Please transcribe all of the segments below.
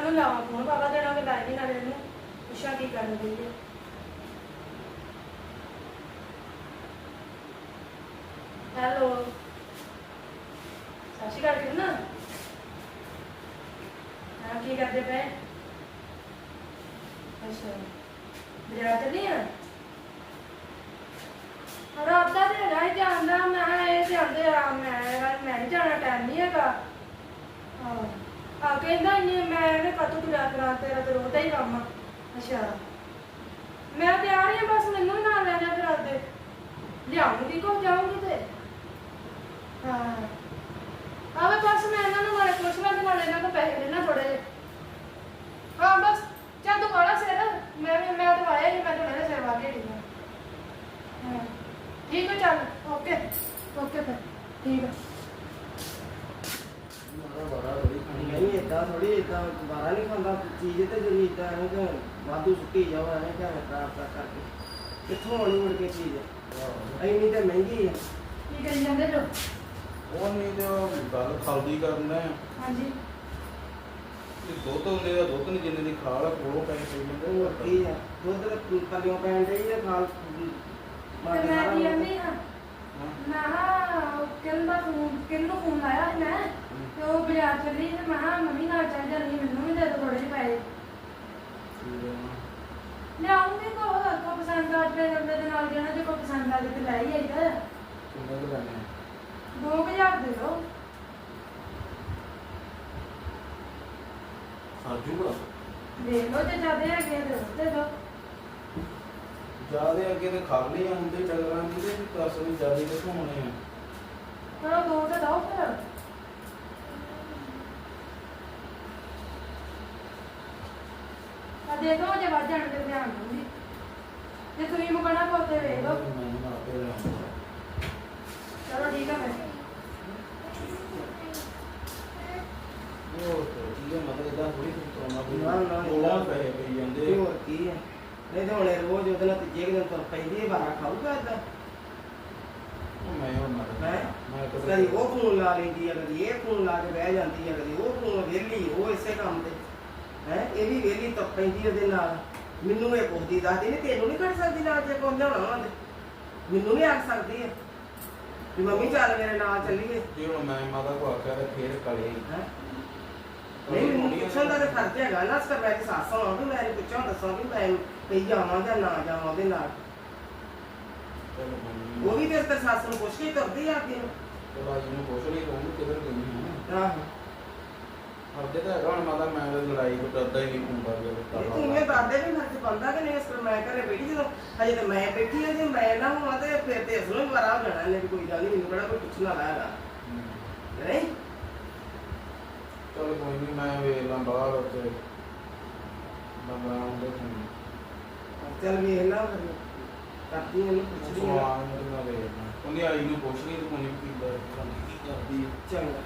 ਨੂੰ ਲਾਵਾਂ ਫੋਨ ਬਾਬਾ ਦੇਣਾ ਕਿ ਲਾਈ ਨਹੀਂ ਨਾਲੇ ਇਹਨੂੰ ਪੁੱਛਾਂ ਕੀ ਕਰਨ ਦੀ ਹੈ। ਹੈਲੋ ਸਤਿ ਸ਼੍ਰੀ ਅਕਾਲ ਕਿਰਨ। ਹਾਂ ਕੀ ਕਰਦੇ ਪਏ? ਅੱਛਾ ਬਾਜ਼ਾਰ ਚੱਲੀ ਆ? ਰਾਤ ਦਾ ਤੇ ਹੈਗਾ ਹੀ ਜਾਂਦਾ ਮੈਂ ਇਹ ਤੇ ਆਉਂਦੇ ਆ ਮੈਂ ਨਹੀਂ ਜਾਣਾ ਟਾਈਮ ਨਹੀਂ ਹੈਗਾ। ਆ ਕਹਿੰਦਾ ਇੰਨੇ ਮੈਂ ਇਹਨੇ ਕਦੋਂ ਤੁਰਿਆ ਕਰਾਂ ਤੇਰਾ ਤੇ ਰੋਜ਼ ਦਾ ਹੀ ਕੰਮ ਆ। ਅੱਛਾ ਮੈਂ ਤਿਆਰ ਹੀ ਆ ਬਸ ਮੈਨੂੰ ਵੀ ਨਾਲ ਲੈ ਜਾ ਫਿਰ ਆਪਦੇ ਲਿਆਉਂਗੀ ਕੋ ਜਾਊਂਗੀ ਤੇ ਹਾਂ ਆਵੇ ਬਸ ਮੈਂ ਇਹਨਾਂ ਨੂੰ ਨਾਲੇ ਪੁੱਛ ਲਾਂ ਤੇ ਨਾਲੇ ਇਹਨਾਂ ਤੋਂ ਪੈਸੇ ਲੈਣਾ ਥੋੜੇ ਜਿਹੇ। ਹਾਂ ਬਸ ਚੱਲ ਤੂੰ ਵਾਲਾ ਸਿਰ ਮੈਂ ਤਾਂ ਆਇਆ ਹੀ ਮੈਂ ਤੁਹਾਡੇ ਸਿਰ ਵਾ ਕੇ ਢੀਆਂ। ਹਾਂ ਠੀਕ ਹੈ ਚੱਲ ਓਕੇ ਓਕੇ ਫਿਰ ਠੀਕ ਹੈ। ਨਹੀਂ ਇਦਾਂ ਥੋੜੀ ਇਦਾਂ ਦੁਬਾਰਾ ਨਹੀਂ ਖਾਂਦਾ ਚੀਜ਼ ਤੇ ਜਿਹੜੀ ਇਦਾਂ ਐਵੇਂ ਕਿ ਵਾਧੂ ਸੁੱਟੀ ਜਾਓ ਐਵੇਂ ਕਿ ਖਰਾਬ ਕਰਕੇ ਕਿੱਥੋਂ ਆਉਣੀ ਮੁੜ ਕੇ ਚੀਜ਼ ਇੰਨੀ ਤੇ ਮਹਿੰਗੀ ਹੈ। ਕੀ ਕਰੀ ਜਾਂਦੇ ਜੋ? ਉਹ ਨਹੀਂ ਤੇ ਗੱਲ ਖਾਲਦੀ ਕਰਨਾ ਹੈ। ਹਾਂਜੀ ਤੇ ਦੁੱਧ ਹੁੰਦੇ ਦਾ ਦੁੱਧ ਨਹੀਂ ਜਿੰਨੇ ਦੀ ਖਾਲ ਆ ਕੋਲੋਂ ਪੈਸੇ ਪਈ ਜਾਂਦੇ ਹੋਰ ਕੀ ਹੈ ਦੁੱਧ ਪੱਲਿਓਂ ਪੈਣ ਡਈ ਹੈ ਖਾਲ ਤੇ ਮੈਂ ਕੀ ਕਹਿੰਦੀ ਹਾਂ ਮੈਂ ਹਾਂ ਕਿਹਨੂੰ ਫੋਨ ਲਾਇਆ ਸੀ ਮੈਂ ਤੇ ਉਹ ਬਾਜ਼ਾਰ ਚੱਲੀ ਤੇ ਮੈਂ ਕਿਹਾ ਮੰਮੀ ਨਾਲ ਚੱਲ ਜਾਂਦੀ ਮੈਨੂੰ ਵੀ ਦੇ ਦੋ ਥੋੜੇ ਜਿਹੇ ਪੈਸੇ ਲਿਆਉਂਗੀ ਕੋ ਪਸੰਦ ਆ ਜਾਵੇ ਬੰਦੇ ਦੇ ਨਾਲ ਜਾਣਾ ਜੇ ਕੋਈ ਪਸੰਦ ਆ ਜਾਵੇ ਤੇ ਲੈ ਹੀ ਆਈਦਾ। ਕਿੰਨੇ ਕੁ ਲੈਣੇ ਆ? 2000 ਦੇ ਦੋ। ਸਾਜੂਗਾ ਦੇਖ ਲਓ ਜੇ ਜ਼ਿਆਦਾ ਹੈਗੇ ਦੇ ਦੋ। ਜਿਆਦੇ ਅੱਗੇ ਤੇ ਖਾਲੀ ਹੁੰਦੇ ਡੰਗਰਾਂ ਦੀ ਤੇ ਦੱਸ ਵੀ ਜਿਆਦੇ ਕਿੱਥੋਂ ਹੋਣੇ ਆ? ਚਲੋ ਦੋ ਤੇ ਦੋ ਫਿਰ। ਆ ਦੇ ਦੋ ਜੇ ਵੱਧ ਜਾਣ ਤੇ ਧਿਆਨ ਦੂੰਗੀ ਜੇ ਤੁਸੀਂ ਮੁਕਣਾ ਕੋਤੇ ਵੇਖ ਲਓ। ਮੈਂ ਆਪੇ ਲਿਆਉਂਗਾ। ਚਲੋ ਠੀਕ ਆ ਫਿਰ। ਉਹ ਠੀਕ ਹੈ ਮਤਲਬ ਇਦਾਂ ਥੋੜੀ ਕਰਨਾ ਕੋਈ ਨਾ ਕੋਲੋਂ ਪੈਸੇ ਪਈ ਜਾਂਦੇ। ਹੋਰ ਕੀ ਹੈ ਨਹੀਂ ਤੇ ਹੁਣ ਰੋਜ਼ ਉਹਦੇ ਨਾਲ ਤੀਜੇ ਕੁ ਦਿਨ ਤੁਰ ਪੈਂਦੀ ਹੈ ਬਾਰਾ ਖਾਊਗਾ ਏਦਾਂ। ਮੈਂ ਹੁਣ ਮੈਂ ਕਦੀ ਉਹ ਫੋਨ ਲਾ ਲੈਂਦੀ ਹੈ ਕਦੀ ਇਹ ਫੋਨ ਲਾ ਕੇ ਬਹਿ ਜਾਂਦੀ ਹੈ ਕਦੀ ਉਹ ਫੋਨ ਵਿਹਲੀ ਉਹ ਇਸੇ ਕੰਮ ਤੇ ਹੈ ਇਹ ਵੀ ਵਿਹਲੀ ਤੁਰ ਪੈਂਦੀ ਉਹਦੇ ਨਾਲ। ਮੈਨੂੰ ਇਹ ਪੁੱਛਦੀ ਦੱਸਦੀ ਨਹੀਂ ਤੈਨੂੰ ਨਹੀਂ ਕੱਢ ਸਕਦੀ ਨਾਲ ਜੇ ਕੋਈ ਲਿਆਉਣਾ ਵਾ ਤੇ ਮੈਨੂੰ ਨਹੀਂ ਆਖ ਸਕਦੀ ਹੈ ਵੀ ਮੰਮੀ ਚੱਲ ਮੇਰੇ ਨਾਲ ਚੱਲੀਏ। ਜੇ ਹੁਣ ਮੈਂ ਮਾਤਾ ਕੋ ਆਖਿਆ ਤੇ ਫੇਰ ਕਲੇ ਹੈ ਨਹੀਂ ਮੈਨੂੰ ਪੁੱਛਣ ਦਾ ਤਾਂ ਫਰਜ਼ ਹੈਗਾ ਨਾ ਸਰ ਮੈਂ ਸੱਸ ਹਾਂ ਵੀ ਮੈਂ ਪੁੱਛਾਂ ਦੱਸਾਂ ਵੀ ਮੈਂ ਕਹੀ ਜਾਵਾਂ ਜਾਂ ਨਾ ਜਾਵਾਂ ਉਹਦੇ ਨਾਲ। ਉਹ ਵੀ ਤੇ ਸੱਸ ਨੂੰ ਪੁੱਛ ਕੇ ਤੁਰਦੀ ਆ ਕੇ ਤੇ ਬਾਜੀ ਨੂੰ ਪੁੱਛ ਲਈ ਤੂੰ ਕਿਧਰ ਗਈ ਹੈ? ਆਹੋ ਅੱਗੇ ਤਾਂ ਹੈਗਾ ਹੁਣ ਮਾਤਾ ਮੈਂ ਤਾਂ ਲੜਾਈ ਕੋ ਡਰਦਾ ਹੀ ਨਹੀਂ ਹੁੰਦਾ ਤੂੰ ਇਹ ਦਾਦੇ ਵੀ ਫਰਜ਼ ਬਣਦਾ ਕਿ ਨਹੀਂ ਇਸ ਪਰ ਮੈਂ ਘਰੇ ਬੈਠੀ ਜਦੋਂ ਹਜੇ ਤੇ ਮੈਂ ਬੈਠੀ ਹਾਂ ਜੇ ਮੈਂ ਨਾ ਹੋਵਾਂ ਤੇ ਫਿਰ ਤੇ ਇਸ ਨੂੰ ਮਾਰਾ ਹੋ ਜਾਣਾ ਇਹਨੇ ਵੀ ਕੋਈ ਗੱਲ ਨਹੀਂ ਮੈਨੂੰ ਕਿਹੜਾ ਕੋਈ ਪੁੱਛਣ ਵਾਲਾ ਹੈਗਾ ਨਹੀਂ। ਚਲ ਕੋਈ ਨਹੀਂ ਮੈਂ ਵੇਖ ਲਾਂ ਬਾਹਰ ਉੱਤੇ ਬੰਦਾ ਆਉਂਦੇ ਫੋਨ ਚੱਲ ਵੇਖ ਲਾ ਫਿਰ ਕਰਦੀ ਇਹਨੂੰ ਪੁੱਛਦੀ ਆ ਸਵਾਲ ਮੈਂ ਵੇਖਦਾ ਉਹਨੇ ਆਈ ਨੂੰ ਪੁੱਛ ਲਈ ਤੇ ਕੋਈ ਨਹੀਂ ਕੀ ਕਰਦੀ ਹੈ। ਚੰਗਾ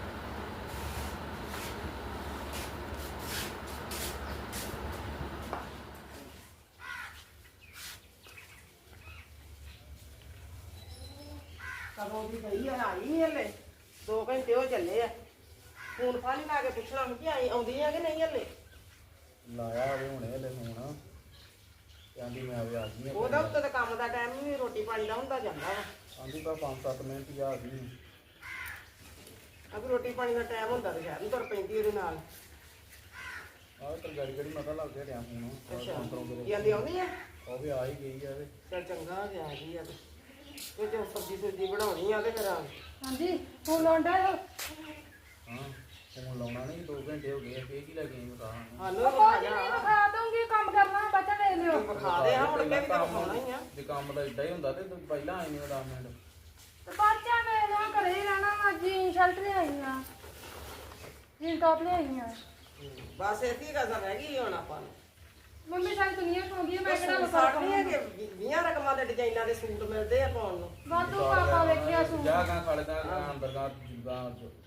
ਕਦੋਂ ਦੀ ਗਈ ਆ ਆਈ ਨਹੀਂ ਹਲੇ 2 ਘੰਟੇ ਹੋ ਚੱਲੇ ਆ ਫੋਨ ਫਾਨੀ ਲਾ ਕੇ ਪੁੱਛਣਾ ਕਿ ਆਉਂਦੀ ਆ ਕਿ ਨਹੀਂ ਹਲੇ। ਲਾਇਆ ਹੋਵੇ ਹੁਣੇ ਹਲੇ ਫੋਨ ਕਹਿੰਦੀ ਮੈਂ ਆ ਗਈ ਆ ਉਹਦਾ ਉੱਤੇ ਤਾਂ ਕੰਮ ਦਾ ਟਾਈਮ ਨਹੀਂ ਰੋਟੀ ਪਾਣੀ ਦਾ ਹੁੰਦਾ ਜਾਂਦਾ ਵਾ ਆਂਦੀ ਤਾਂ 5-7 ਮਿੰਟ ਹੀ ਆ ਗਈ। ਅਗਰ ਰੋਟੀ ਪਾਣੀ ਦਾ ਟਾਈਮ ਹੁੰਦਾ ਤਾਂ ਸ਼ਾਇਦ ਨਹੀਂ ਤੁਰ ਪੈਂਦੀ ਉਹਦੇ ਨਾਲ। ਆਹ ਤਾਂ ਗੜੀ ਮਤਾ ਲੱਗ ਗਿਆ ਫੋਨ ਅੱਛਾ ਜਾਂਦੀ ਆਉਂਦੀ ਆ ਉਹ ਵੀ ਆ ਹੀ ਗਈ ਆ ਵੇ। ਚੱਲ ਚੰਗਾ ਗਿਆ ਜੀ ਆ ਤੇ ਜੇ ਸਬਜ਼ੀ ਬਣਾਉਣੀ ਆ ਤੇ ਫਿਰ ਹਾਂਜੀ ਫੋਨ ਲਾਉਂਦਾ ਹਾਂ ਫੋਨ ਲਾਉਣਾ ਨਹੀਂ 2 ਘੰਟੇ ਹੋ ਗਏ ਫੇਰ ਕੀ ਲੱਗੇ ਬਤਾ ਹਾਲੋ ਕੋਈ ਨਹੀਂ ਵਿਖਾ ਦੂੰਗੀ ਕੰਮ ਕਰਨਾ ਬੱਚਾ ਦੇ ਲਿਓ। ਵਿਖਾ ਦੇ ਹਾਂ ਮੁੜ ਕੇ ਵੀ ਤਾਂ ਵਿਖਾਉਣਾ ਹੀ ਆ ਜੇ ਕੰਮ ਦਾ ਏਡਾ ਹੀ ਹੁੰਦਾ ਤੇ ਤੂੰ ਪਹਿਲਾਂ ਆਈ ਨਹੀਂ 10 ਮਿੰਟ ਤੇ ਬੱਚਾ ਮੇਰੇ ਘਰੇ ਹੀ ਰਹਿਣਾ ਵਾ ਸ਼ਰਟ ਲਿਆਈਆਂ ਜੀਨ ਟੌਪ ਲਿਆਈਆਂ। ਬਸ ਇਤੀ ਗੱਲ ਰਹਿ ਗਈ ਹੁਣ ਆਪਾਂ ਨੂੰ ਮੰਮੀ ਸਾਰੀ ਦੁਨੀਆ ਪਾਉਂਦੀ ਹੈ ਮੈਂ ਕਿਹੜਾ ਸੂਟ ਵਿਖਾ ਸਾਟ ਨਹੀਂ ਹੈ ਕਿ 20 ਰਕਮਾਂ ਦੇ ਡਿਜ਼ਾਈਨਾਂ ਦੇ ਸੂਟ ਮਿਲਦੇ ਆ ਪਾਉਣ ਨੂੰ। ਵਾਧੂ ਪਾਪਾ ਵੇਖਿਆ ਸੂਟ ਜਾ ਕਾਂ ਖੜਦਾ ਅੰਦਰ ਦਾ ਜਿੱਦਾਂ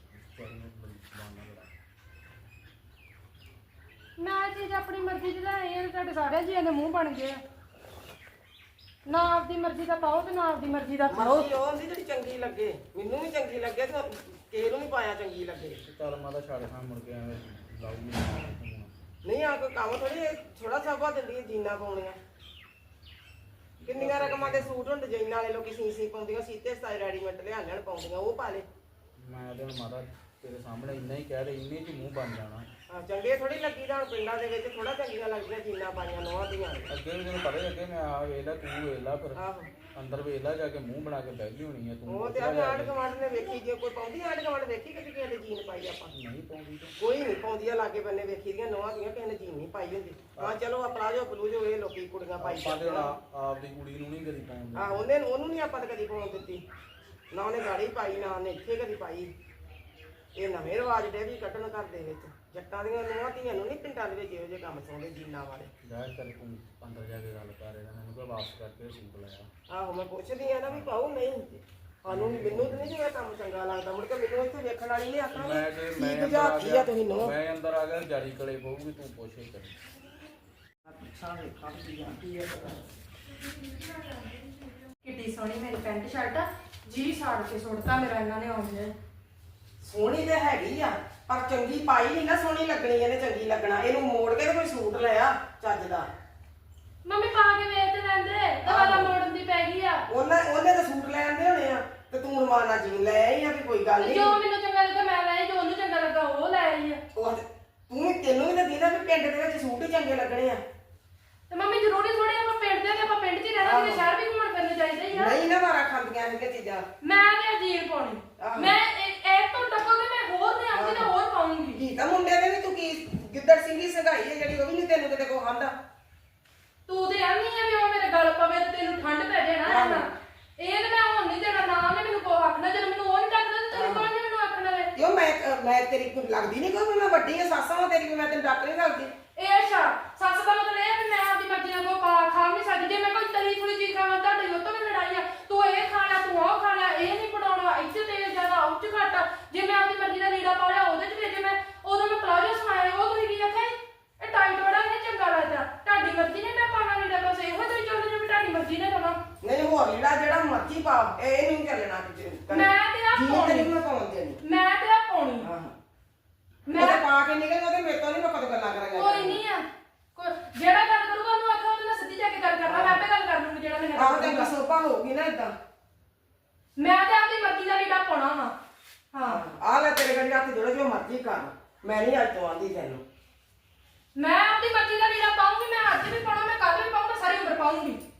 ਮੈਂ ਚੀਜ਼ ਆਪਣੀ ਮਰਜ਼ੀ ਦੀ ਲੈ ਆਈ ਹਾਂ ਤੁਹਾਡੇ ਸਾਰਿਆਂ ਜੀਆਂ ਦੇ ਮੂੰਹ ਬਣ ਗਏ ਆ। ਨਾ ਆਪਦੀ ਮਰਜ਼ੀ ਦਾ ਪਾਓ ਤੇ ਨਾ ਆਪਦੀ ਮਰਜ਼ੀ ਦਾ ਖਾਓ। ਮਰਜ਼ੀ ਉਹ ਹੁੰਦੀ ਜਿਹੜੀ ਚੰਗੀ ਲੱਗੇ ਮੈਨੂੰ ਵੀ ਚੰਗੀ ਲੱਗੇ ਤੇ ਕਿਸੇ ਨੂੰ ਵੀ ਪਾਇਆ ਚੰਗੀ ਲੱਗੇ। ਚੱਲ ਮਾਤਾ ਛੱਡ ਖਾਂ ਮੁੜ ਕੇ ਐਵੇਂ ਲਾਉਗੀ ਨਹੀਂ ਆ ਕੋਈ ਕੰਮ ਥੋੜੀ ਥੋੜਾ ਸਾਬਾ ਦਿੰਦੀ ਜੀਨਾ ਪਾਉਣੀਆਂ ਕਿੰਨੀਆਂ ਰਕਮਾਂ ਦੇ ਸੂਟ ਹੁਣ ਡਿਜ਼ਾਈਨ ਵਾਲੇ ਲੋਕੀ ਸੀ ਪਾਉਂਦੀਆਂ ਸੀਤੇ ਸਟਾਈਲ ਰੈਡੀਮੇਡ ਲਿਆ ਲੈਣ ਪਾਉਂਦੀਆਂ ਉਹ ਪਾ ਲੈ ਮੈਂ ਤੇ ਹੁਣ ਮਾਤਾ ਤੇਰੇ ਸਾਹਮਣੇ ਇੰਨਾ ਹੀ ਕਹਿ ਦੇ ਇੰਨੇ ਚ ਮੂੰਹ ਬਣ ਜਾਣਾ ਆ ਚੰਗੇ ਥੋੜੀ ਲੱਗੀ ਤਾਂ ਹੁਣ ਪਿੰਡਾਂ ਦੇ ਵਿੱਚ ਥੋੜਾ ਚੰਗੀਆਂ ਲੱਗਦੀਆਂ ਜੀਨਾ ਪਾਈਆਂ ਨੋਹਾਂ ਦੀਆਂ ਅੱਗੇ ਵੀ ਤੈਨੂੰ ਪਤਾ ਹੀ ਅੱਗੇ ਮੈਂ ਆ ਵੇਖ ਲਾ ਤੂੰ ਵੇਖ ਲਾ ਫਿਰ ਆਹੋ ਅੰਦਰ ਵੇਖ ਲਾ ਜਾ ਕੇ ਮੂੰਹ ਬਣਾ ਕੇ ਬਹਿ ਗਈ ਹੋਣੀ ਆ ਤੂੰ ਉਹ ਤੇ ਆ ਆਂਢ ਗੁਆਂਢ ਨੇ ਵੇਖੀ ਜੇ ਕੋਈ ਪਾਉਂਦੀ ਆਂਢ ਗੁਆਂਢ ਵੇਖੀ ਕਿ ਕਿਸੇ ਦੇ ਜੀਨ ਪਾਈ ਆਪਾਂ ਨਹੀਂ ਪਾਉਂਦੀ ਤੇ ਕੋਈ ਨਹੀਂ ਪਾਉਂਦੀ ਆ ਲਾਗੇ ਬੰਨੇ ਵੇਖੀ ਦੀਆਂ ਨੋਹਾਂ ਦੀਆਂ ਕਿਸੇ ਨੇ ਜੀਨ ਨਹੀਂ ਪਾਈ ਹੁੰਦੀ ਹਾਂ ਚਲੋ ਆ ਪਲਾਜੋ ਬਲੂਜੋ ਇਹ ਲੋਕੀ ਕੁੜੀਆਂ ਪਾਈ ਆਪਾਂ ਤੇ ਆਪਦੀ ਕੁੜੀ ਨੂੰ ਨਹੀਂ ਕਦੀ ਪਾਉਂਦੇ ਆ ਉਹਨੂੰ ਨਹੀਂ ਆਪਾਂ ਤਾਂ ਕਦੀ ਪਾਉਣ ਦਿੱਤੀ ਨਾ ਉਹਨੇ ਗਾੜੀ ਪਾਈ ਨਾ ਉਹਨੇ ਇੱਥੇ ਕਦੀ ਪਾਈ ਇਹ ਨਵੇਂ ਰਿਵਾਜ ਦੇ ਵੀ ਕੱਢਣ ਘਰ ਦੇ ਵਿੱਚ ਜੱਟਾਂ ਦੀਆਂ ਨੂੰਹਾਂ ਧੀਆਂ ਨੂੰ ਨਹੀਂ ਪਿੰਡਾਂ ਦੇ ਵਿੱਚ ਇਹੋ ਜਿਹੇ ਕੰਮ ਸੌਂਦੇ ਜੀਨਾਂ ਵਾਲੇ ਜਾ ਕਰ ਤੂੰ ਅੰਦਰ ਜਾ ਕੇ ਗੱਲ ਕਰ ਇਹਦਾ ਮੈਨੂੰ ਕੋਈ ਵਾਪਸ ਕਰਕੇ ਸੂਟ ਲਾਇਆ ਆਹੋ ਮੈਂ ਪੁੱਛਦੀ ਆ ਨਾ ਵੀ ਪਾਉ ਨਹੀਂ ਸਾਨੂੰ ਮੈਨੂੰ ਤਾਂ ਨਹੀਂ ਜਿਹੜਾ ਕੰਮ ਚੰਗਾ ਲੱਗਦਾ ਮੁੜ ਕੇ ਮੈਨੂੰ ਇੱਥੇ ਵੇਖਣ ਵਾਲੀ ਨਹੀਂ ਆਖਣਾ ਮੈਂ ਜੇ ਕੀ ਮੈਂ ਅੰਦਰ ਬੁਝਾ ਆ ਕੀ ਆ ਗਿਆ ਤੁਸੀਂ ਨੂੰਹ ਮੈਂ ਅੰਦਰ ਆ ਗਿਆ ਜਾਰੀ ਕਲੇ ਪਊਗੀ ਤੂੰ ਪੁੱਛੇ ਕਰੀ ਪੁੱਛਾਂ ਵੇਖਾਂ ਕੀ ਜਾਂਦੀ ਹੈ ਕਿੱਡੀ ਸੋਹਣੀ ਮੇਰੀ ਪੈਂਟ ਸ਼ਰਟ ਆ ਜੀ ਸਾੜ ਕੇ ਸੁੱਟਤਾ ਮੇਰਾ ਇਹਨਾਂ ਨੇ ਆਉਂਦੇ ਸੋਹਣੀ ਤੇ ਹੈਗੀ ਆ ਪਰ ਚੰਗੀ ਪਾਈ ਨਹੀਂ ਨਾ ਸੋਹਣੀ ਲੱਗਣੀ ਇਹਨੇ ਚੰਗੀ ਲੱਗਣਾ ਇਹਨੂੰ ਮੋੜ ਕੇ ਤੇ ਕੋਈ ਸੂਟ ਲਿਆ ਚੱਜ ਦਾ ਮੰਮੀ ਪਾ ਕੇ ਵੇਚ ਤੇ ਲੈਂਦੇ ਦੁਬਾਰਾ ਮੋੜਨ ਦੀ ਪੈ ਗਈ ਆ ਉਹਨੇ ਤਾਂ ਸੂਟ ਲੈ ਆਂਦੇ ਹੋਣੇ ਆ ਤੇ ਤੂੰ ਰਮਾਨਾ ਜੀਨ ਲੈ ਆਈ ਆ ਵੀ ਕੋਈ ਗੱਲ ਨਹੀਂ ਜੋ ਮੈਨੂੰ ਚੰਗਾ ਲੱਗਾ ਮੈਂ ਲੈ ਆਈ, ਜੋ ਉਹਨੂੰ ਚੰਗਾ ਲੱਗਾ ਉਹ ਲੈ ਆਈ ਆ ਤੈਨੂੰ ਵੀ ਤਾਂ ਦੀਦਾ ਵੀ ਪਿੰਡ ਦੇ ਵਿੱਚ ਸੂਟ ਹੀ ਚੰਗੇ ਲੱਗਣੇ ਆ ਤੇ ਮੰਮੀ ਜ਼ਰੂਰੀ ਥੋੜੀ ਆਪਾਂ ਪਿੰਡ ਦੇ ਆਪਾਂ ਪਿੰਡ 'ਚ ਹੀ ਰਹਿਣਾ ਕਿ ਸ਼ਹਿਰ ਵੀ ਘੁੰਮਣ ਫਿਰਨੇ ਚਾਹੀਦੇ ਹੀ ਆ ਨਹੀਂ ਨਾ ਮਾਰਾ ਖਾਂਦੀਆਂ ਇਹ ਚੀਜ਼ਾਂ ਮੈਂ ਤੇ ਜੀਨ ਪਾਉਣੀ ਮੈਂ ਇਹ ਤੋਂ ਟੱਪੋਗੇ ਮੈਂ ਹੋਰ ਤੇ ਆਂਦੀ ਨਾ ਹੋਰ ਪਾਉਂਗੀ ਕੀ ਤਾਂ ਮੁੰਡੇ ਦੇ ਵੀ ਤੂੰ ਕੀ ਗਿੱਦੜ ਸਿੰਘੀ ਸੰਘਾਈ ਹੈ ਜਿਹੜੀ ਉਹ ਵੀ ਨਹੀਂ ਤੈਨੂੰ ਕਿਤੇ ਕੋ ਖਾਂਦਾ ਤੂੰ ਤੇ ਆਨੀ ਆ ਵੀ ਉਹ ਮੇਰੇ ਗਲ ਪਵੇ ਤੇ ਤੈਨੂੰ ਠੰਡ ਪੈ ਜਾਏ ਨਾ ਰਹਿਣਾ ਇਹ ਤੇ ਮੈਂ ਹੁਣ ਨਹੀਂ ਦੇਣਾ ਨਾ ਉਹਨੇ ਮੈਨੂੰ ਕੋ ਆਖਣਾ ਜਦੋਂ ਮੈਨੂੰ ਉਹ ਨਹੀਂ ਟੱਕਦਾ ਤੇ ਤੈਨੂੰ ਕੌਣ ਮੈਨੂੰ ਆਖਣ ਵਾਲੇ ਕਿਉਂ ਮੈਂ ਤੇਰੀ ਕੋਈ ਲੱਗਦੀ ਨਹੀਂ ਕੋਈ ਮੈਂ ਵੱਡੀ ਆ ਸਾਸਾਂ ਵਾਂ ਤੇਰੀ ਵੀ ਮੈਂ ਤੈਨੂੰ ਡੱਕ ਨਹੀਂ ਸਕਦੀ ਇਹ ਅੱਛਾ ਸੱਸ ਦਾ ਮਤਲਬ ਇਹ ਆ ਵੀ ਮੈਂ ਆਪਦੀ ਮਰਜ਼ੀ ਨਾਲ ਕੋ ਖਾ ਨਹੀਂ ਸਕਦੀ ਜੇ ਮੈਂ ਕੋਈ ਤਲੀ ਥੋੜੀ ਚੀਜ਼ ਖਾਵਾਂ ਤੁਹਾਡੇ ਉਹ ਤੋਂ ਵੀ ਲੜਾਈ ਆ ਤੂੰ ਇਹ ਖਾਣਾ ਤੂੰ ਉਹ ਖਾਣਾ ਇਹ ਨਹੀਂ ਪੜਾਉਣਾ ਇੱਥੇ ਤੇਲ ਜ਼ਿਆਦਾ ਉਹ ਚ ਘੱਟ ਜੇ ਮੈਂ ਆਪਦੀ ਮਰਜ਼ੀ ਦਾ ਲੀੜਾ ਪਾ ਲਿਆ ਉਹਦੇ ਚ ਜੇ ਮੈਂ ਉਦੋਂ ਮੈਂ ਪਲਾਜੋ ਸਮਾਇਆ ਉਹ ਤੁਸੀਂ ਕੀ ਆਖਿਆ ਇਹ ਟਾਈਟ ਬੜਾ ਨਹੀਂ ਚੰਗਾ ਲੱਗਦਾ ਤੁਹਾਡੀ ਮਰਜ਼ੀ ਨੇ ਮੈਂ ਪਾਣਾ ਲੀੜਾ ਬਸ ਇਹੋ ਜਿਹੀ ਚਾਹੁੰਦੇ ਜੋ ਵੀ ਤੁਹਾਡੀ ਮਰਜ਼ੀ ਨੇ ਕਰਾਂ ਨਹੀਂ ਹੋਰ ਲੀੜਾ ਜਿਹੜਾ ਮਰਜ਼ੀ ਪਾ ਇਹ ਨਹੀਂ ਚੱਲਣਾ ਕਿਤੇ ਮੈਂ ਤੇ ਆ ਪਾਉਣੀ ਮੈਂ ਪਾਉਣ ਦੇਣੀ ਮੈਂ ਤੇ ਆ ਪਾਉਣੀ ਹਾਂ ਮੈਂ ਮੈਂ ਪਾ ਕੇ ਨਿਕਲ ਉਹਦੇ ਮੇਰੇ ਤੋਂ ਨਹੀਂ ਮੈਂ ਕਦੋਂ ਗੱਲਾਂ ਕਰਾਂਗਾ ਕੋਈ ਨਹੀਂ ਆ ਜਿਹੜਾ ਗੱਲ ਕਰੂਗਾ ਉਹਨੂੰ ਆਖੋ ਉਹਦੇ ਨਾਲ ਸਿੱਧੀ ਜਾ ਕੇ ਗੱਲ ਕਰਨਾ ਮੈਂ ਆਪੇ ਗੱਲ ਕਰ ਲੂੰਗੀ ਜਿਹੜਾ ਮੈਨੂੰ ਆਹ ਤੇ ਸੋਪਾ ਹੋਊਗੀ ਨਾ ਇਦਾਂ ਮੈਂ ਤੇ ਆਪਣੀ ਮਰਜ਼ੀ ਦਾ ਲੀੜਾ ਪਾਉਣਾ ਵਾ ਹਾਂ ਆ ਲੈ ਤੇਰੇ ਗੜੀ ਹੱਥ ਜੋੜ ਜੋ ਮਰਜ਼ੀ ਕਰ ਮੈਂ ਨਹੀਂ ਅੱਜ ਤੋਂ ਆਂਦੀ ਤੈਨੂੰ ਮੈਂ ਆਪਣੀ ਮਰਜ਼ੀ ਦਾ ਲੀੜਾ ਪਾਉਂਗੀ ਮੈਂ ਅੱਜ ਵੀ ਪਾਉਣਾ ਮੈਂ ਕੱਲ ਵੀ ਪਾਉਂਗਾ ਸਾਰੀ ਉਮਰ ਪਾਉਂਗੀ